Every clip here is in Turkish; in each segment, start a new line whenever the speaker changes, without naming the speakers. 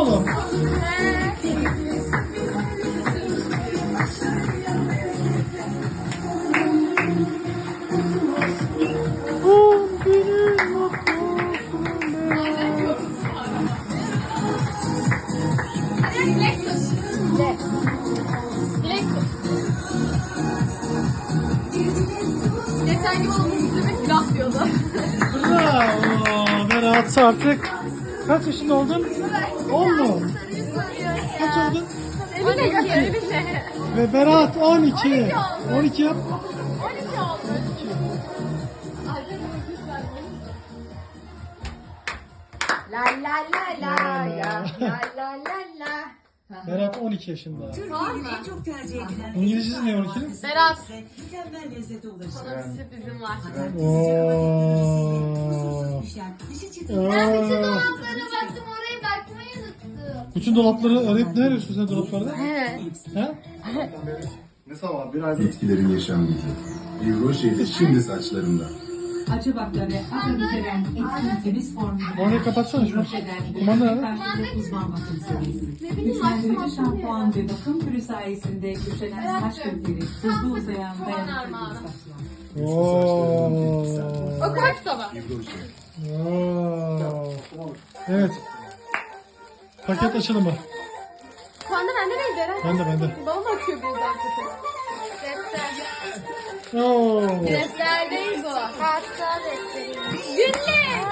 oğlum?
Geçen gün olduğumuz demek laf diyordu.
Bravo. Berat artık kaç yaşında oldun? 10 mu? Kaç oldun?
Evine.
Ve Berat 12. 12 yap.
12 oldu. La la la la la la la la la.
Berat 12 yaşında.
En çok tercih edilen
İngilizcesi ne 12'nin?
Berat,
mükemmel lezzete ulaşan.
sana bir sürprizim var.
Oo.
Dışı çıtır.
Dolaplara baktım, oraya bakmayı unuttum.
Bütün dolapları arayıp ne arıyorsun sen dolaplarda?
Evet.
Ha?
Ne zaman? Bir aydır.
Bitkilerin yaşam gücü. Vibro Rocher'de şimdi saçlarında.
Acı baklava ve aromateren etkin temiz formülü.
Orayı kapatsana şunu.
Rocher'den
Kumanda nerede?
karşılıklı uzman bakım serisi. Güçlendirici şampuan ve bakım türü sayesinde güçlenen saç kökleri, hızlı uzayan dayanıklı saçlar.
Oo.
Okuma kitabı.
Vibro Rocher.
Oo. Evet. Paket açılımı.
Sende bende neydi Eren?
Bende.
Bana mı açıyor birden kötü?
Oo.
Defterdeyiz o.
Hatta defterim.
Günlük.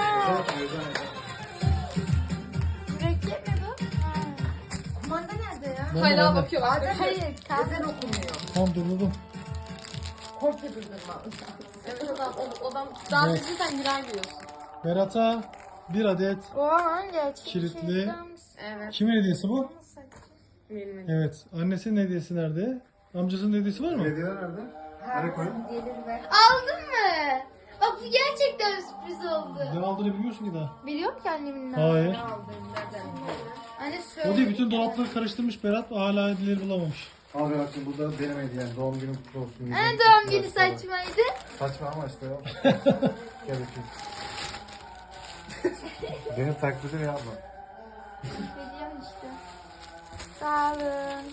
Mürekkep mi bu? Kumanda nerede ya?
Hala bakıyor.
Hayır, kahve okumuyor.
Tamam durdurdum.
Komple durdurma.
Evet odam. Daha düzgün sen girer giriyorsun.
Berat'a bir adet
Oha, gerçek
kilitli.
Evet.
Kimin hediyesi bu?
Benim.
Evet. Annesinin hediyesi nerede? Amcasının hediyesi var mı?
Hediyeler nerede? Nereye koyayım?
Aldın mı? Bak bu gerçekten sürpriz oldu.
Ne aldığını bilmiyorsun ki daha.
Biliyorum ki annemin ne
Hayır.
Anne
O değil,
söyle.
bütün dolapları karıştırmış Berat. Hala hediyeleri bulamamış.
Abi Berat'cığım burada benim hediyem. Doğum günün kutlu olsun.
Anne doğum günü saçmaydı.
Saçma ama işte ya. Gel öpeyim. Benim taklidimi yapma.
Biliyorum işte. Sağ olun.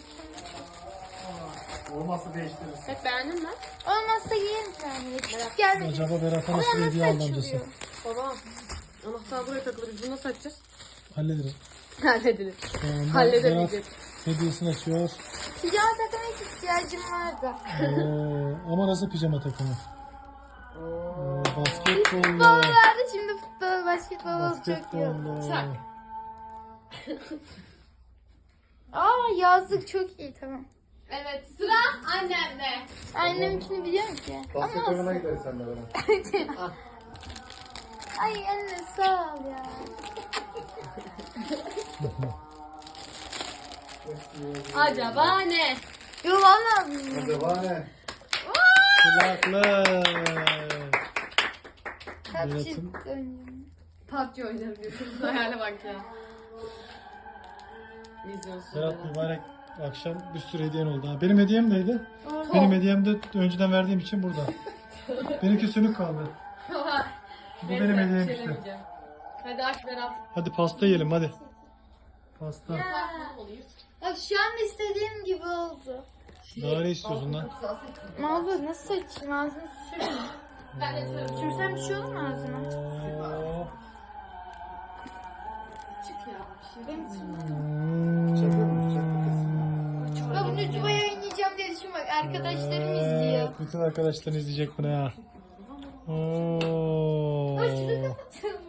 Olmazsa değiştiririz.
Evet beğendin mi?
Olmazsa yiyin sen. Küçük gelmedi.
Acaba Berat'a nasıl bir hediye aldı amcası?
Baba. Anahtar buraya takılır. Biz bunu nasıl açacağız?
Hallederiz.
Halledilir.
Şu anda Berat
Halledemeyecek.
hediyesini açıyor.
Pijama takmaya ihtiyacım vardı.
Ama nasıl pijama takımı?
Futbol
Basketbollu.
vardı, şimdi futbol, basketbol olacak yok.
Basketbollu.
Çak.
Aa, yazlık çok iyi, tamam.
Evet sıra annemde.
Annemkini biliyorum ki.
Basket oyununa gideriz sen de bana.
Ay anne sağ ol ya.
Acaba ne?
Yo valla.
Acaba ne?
Kulaklık.
Kaç
Berat'ın-
çıktı önce.
PUBG oynarım diyorsunuz. Hayale bak ya. İzliyorsun.
Berat mübarek akşam bir sürü hediyen oldu. Ha. Benim hediyem neydi?
Orada.
Benim hediyem de önceden verdiğim için burada. Benimki sönük kaldı. Bu
Neyse,
benim
bir
hediyem
şey
işte.
demeyeceğim. Hadi aç Berat.
Hadi pasta yiyelim hadi. Pasta.
Bak şu an istediğim gibi oldu.
Daha ne istiyorsun lan?
Ne oldu? Nasıl açayım? Ağzını sürme.
Ben de sürüyorum.
Sürsem bir şey olur mu ağzına?
Oo.
Çık ya. Bir şey
Çakıyor mu? Çakıyor.
Ben bunu YouTube'a yayınlayacağım diye düşün, bak arkadaşlarım izliyor.
Evet, bütün arkadaşlar izleyecek bunu ya. Oo.
Bak şunu kapatalım.